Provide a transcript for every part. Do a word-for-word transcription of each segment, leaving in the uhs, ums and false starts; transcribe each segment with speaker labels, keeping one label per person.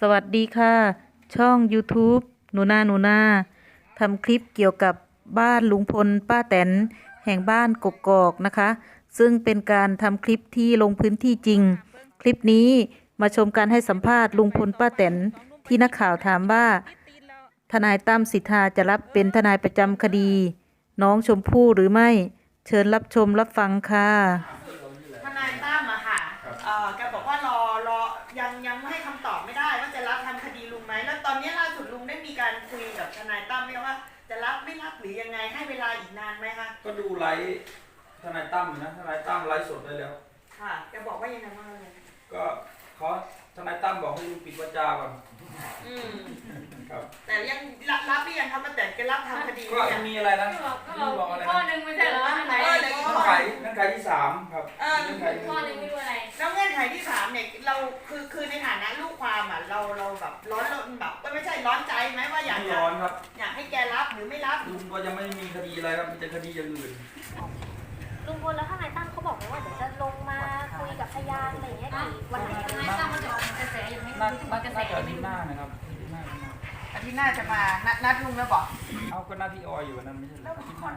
Speaker 1: สวัสดีค่ะ ช่อง YouTube หนูนาหนูนาทำคลิปเกี่ยวกับบ้านลุงพลป้าแตนแห่งบ้านกกอกนะคะ ซึ่งเป็นการทำคลิปที่ลงพื้นที่จริง คลิปนี้มาชมการให้สัมภาษณ์ลุงพลป้าแตนที่นักข่าวถามว่าทนายตั้มสิทธาจะรับเป็นทนายประจำคดี น้องชมพู่หรือไม่ เชิญรับชมรับฟังค่ะ
Speaker 2: ทนายตั้มอะค่ะเอ่อแกบอกว่ารอรอยังยังไม่ให้คำตอบไม่ได้ว่าจะรับทำคดีลุงไหมแล้วตอนนี้ล่าสุดลุงได้มีการคุยกับทนายตั้มไหมว่าจะรับไม่รับหรือยังไงให้เวลาอีกนานไหมคะ
Speaker 3: ก็ดูไลฟ์ทนายตั้มนะทนายตั้มไลฟ์สดได้แล้ว
Speaker 2: ค่ะแกบอกว่ายังไงบ้างเลย
Speaker 3: ก็เขาทนายตั้มบอกให้ลุงปิดวาจาก่อน
Speaker 2: อืม
Speaker 3: ครับ
Speaker 2: แต่ยังรับรับหรือยังครับมาแต่แกรับทำคดี
Speaker 3: ก็มีอะไรนะ
Speaker 4: ก็บอกข้อหนึ่งไม่ใช่เหรอไหน
Speaker 2: เออเ
Speaker 3: งื่อนไขเงื่อนไขที่สามครับ
Speaker 2: เออ
Speaker 3: เงื่อนไข
Speaker 4: ข้อหนึ่งไม่รู้อะไร
Speaker 2: แล้วเงื่อนไขที่สามเนี่ยเราคือคือในฐานะลูกความอ่ะเราเราแบบร้อนรนแบบไม่ใช่ร้อนใจไหมว่าอยาก
Speaker 3: ร้อนครับ
Speaker 2: อยากให้แกรับหรือไม่รับ
Speaker 3: ลุงก็ยังไม่มีคดีอะไรครับมีแต่คดีอย่างอื่น
Speaker 5: ลุงพลแล้วทนายตั้มเขาบอกไหมว่าเดี๋ยวจะลงมาคุยกับพยานอะไรอย่างเงี้ยกี่วันไหน
Speaker 4: ทนายตั้มมันจะออกกระแสอย่างไม่รู้ว่ากระแส
Speaker 3: อาทิตย์หน้านะครับอาทิตย์หน้า
Speaker 2: อาทิตย์หน้าจะมานัดนัดลุงแล้วบอก
Speaker 3: เอาก็หน้าพี่ออยอยู่วันนั้นไม่ใช่เหรออาทิตย์หน้า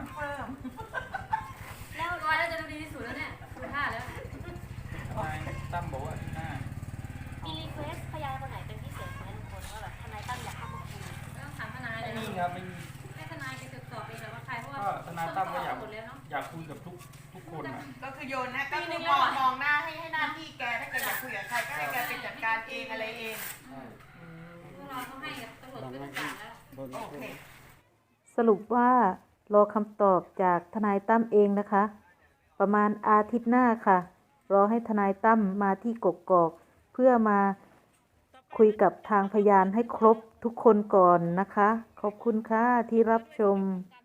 Speaker 4: แล้วร้อยแล้วจะดูดีที่สุดแล้วเนี่ยดูท่าแล้ว
Speaker 3: ทนายตั้มบอกว่าอาทิตย์หน้า
Speaker 5: มีรีเควสพยานคนไหนเป็นพิเศษไหมลุงพลว่าแบบทนายตั้มอยากเข้ามาคุย
Speaker 4: ต้องถามทนายเลย
Speaker 3: ไม่มีครับไม่มี
Speaker 4: ให้ทนายไปตรวจสอบเองแต่ว่าใครเพราะว่า
Speaker 3: ทนายตั้มก็อยากอยากคุยกับทุกทุกคนนะ
Speaker 2: ก็คือโยนนะก็คือมองมองหน้าให้ให้หน้าที่แกถ้าแกอยากคุยกับใครก็ให้แกไปจัดการเองอะไรเอง
Speaker 4: พวกเราต้องให้ตำรวจเป็นกลางแล้ว
Speaker 2: โอเค
Speaker 1: สรุปว่ารอคำตอบจากทนายตั้มเองนะคะ ประมาณอาทิตย์หน้าค่ะ รอให้ทนายตั้มมาที่กกอกเพื่อมาคุยกับทางพยานให้ครบทุกคนก่อนนะคะ ขอบคุณค่ะที่รับชม